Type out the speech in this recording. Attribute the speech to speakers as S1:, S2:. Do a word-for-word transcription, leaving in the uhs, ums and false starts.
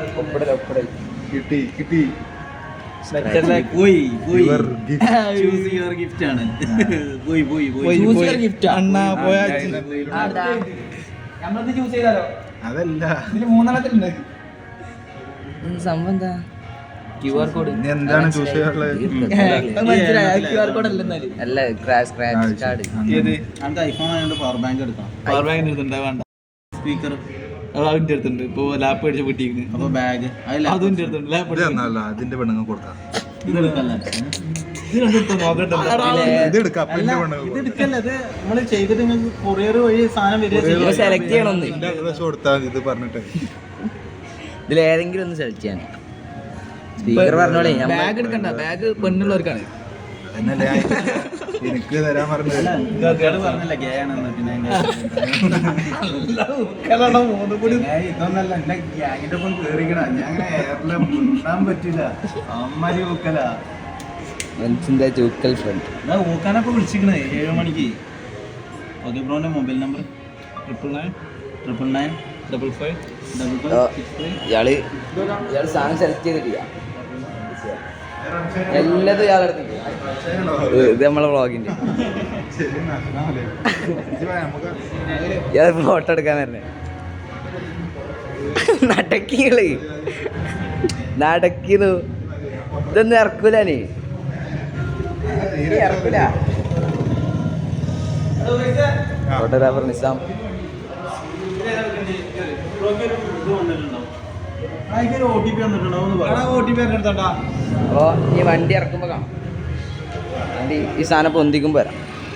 S1: കിട്ടി കിട്ടി
S2: പോയി പോയി ചൂസ് യുവർ ഗിഫ്റ്റ് ആണ് പോയി പോയി പോയി
S3: അണ്ണാ പോയാ
S4: നമ്മളത് ചൂസ് ചെയ്താലോ?
S1: അതല്ല
S4: ഇതില് മൂന്നെണ്ണത്തിലുണ്ട്.
S5: സംഭവം എന്താ?
S4: Q R code.
S1: ഇനി എന്താണ് ചൂസ് ചെയ്യാനുള്ളത്?
S4: ക്യു ആർ കോഡ് അല്ലെന്നാല്
S5: അല്ല സ്ക്രാച്ച് കാർഡ്.
S2: ഏത് നമുക്ക് ഐഫോൺ ആയതുകൊണ്ട് പവർ ബാങ്ക് എടുക്കണം.
S3: പവർ ബാങ്കിന്റെ അടുത്തുണ്ട് വേണ്ട.
S2: സ്പീക്കർ
S3: അതിന്റെ അടുത്തുണ്ട്. ഇപ്പൊ ലാപ്പ് അടിച്ച് പൊട്ടിക്കുന്നു.
S2: അപ്പൊ ബാഗ്
S3: അതിന്റെ അടുത്തുണ്ട്. ലാപ്പ്
S1: ഇത് തന്നല്ല അതിന്റെ പെണ്ണുങ്ങൾ കൊടുക്കാം.
S2: ഇതെടുക്കല്ല
S3: നോക്കട്ടെ.
S1: ഇത് എടുക്കാം അപ്പന്റെ പെണ്ണുങ്ങൾ
S2: ഇത് എടുക്കല്ല. ഇത് നമ്മള് ചെയ്തിട്ട് നിങ്ങൾക്ക് കൊറിയർ വഴി സാധനം വരിക.
S5: സെലക്ട് ചെയ്യണമെന്ന്
S1: കൊടുത്താൽ ഇത് പറഞ്ഞിട്ട്
S5: ഇതിൽ ഏതെങ്കിലും ഒന്ന് സെലക്ട് ചെയ്യാൻ. സ്പീക്കർ പറഞ്ഞോളേ.
S4: ബാഗ് എടുക്കണ്ട. ബാഗ് പെണ്ണുള്ളവർക്കാണ്.
S1: എന്നല്ലേ എനിക്ക് തരാൻ പറഞ്ഞത്.
S2: പറഞ്ഞില്ല ഗേ ആണെന്ന്. പിന്നെ ഇതൊന്നല്ല എന്റെ ഗ്യാങ്ങിന്റെ ഒപ്പം കേറിക്കണ. ഞാൻ അങ്ങനെ എയറിലെ മുണ്ടാൻ പറ്റില്ല. അമ്മാരി ഊക്കല
S5: മനസ്സിന്റെ ചൂക്കൽ ഫ്രണ്ട്.
S2: എന്നാ ഊക്കാനപ്പൊ വിളിച്ചിക്കണേ ഏഴ് മണിക്ക്. ഓക്കെ ബ്രോന്റെ mobile number
S3: triple nine
S2: triple nine
S3: double five
S2: double five six three.
S5: ഇയാള് ഇയാള് സാധനം സെലക്ട് ചെയ്തിട്ടില്ല. എല്ലാതും ഇയാളെടുത്ത്. ഇത് നമ്മളെ വ്ളോഗിന്റെ ഇയാൾ ഫോട്ടോ എടുക്കാൻ വരണേ. നടക്കികള് നടക്കിന്നു. ഇതൊന്നും ഇറക്കൂലേ? ഇറക്കൂല. ഫോട്ടോഗ്രാഫർ നിസാം. അപ്പോ ഈ വണ്ടി ഇറക്കുമ്പോ കാണാം. വണ്ടി ഈ സാധനം പൊന്തിക്കുമ്പോ വരാം.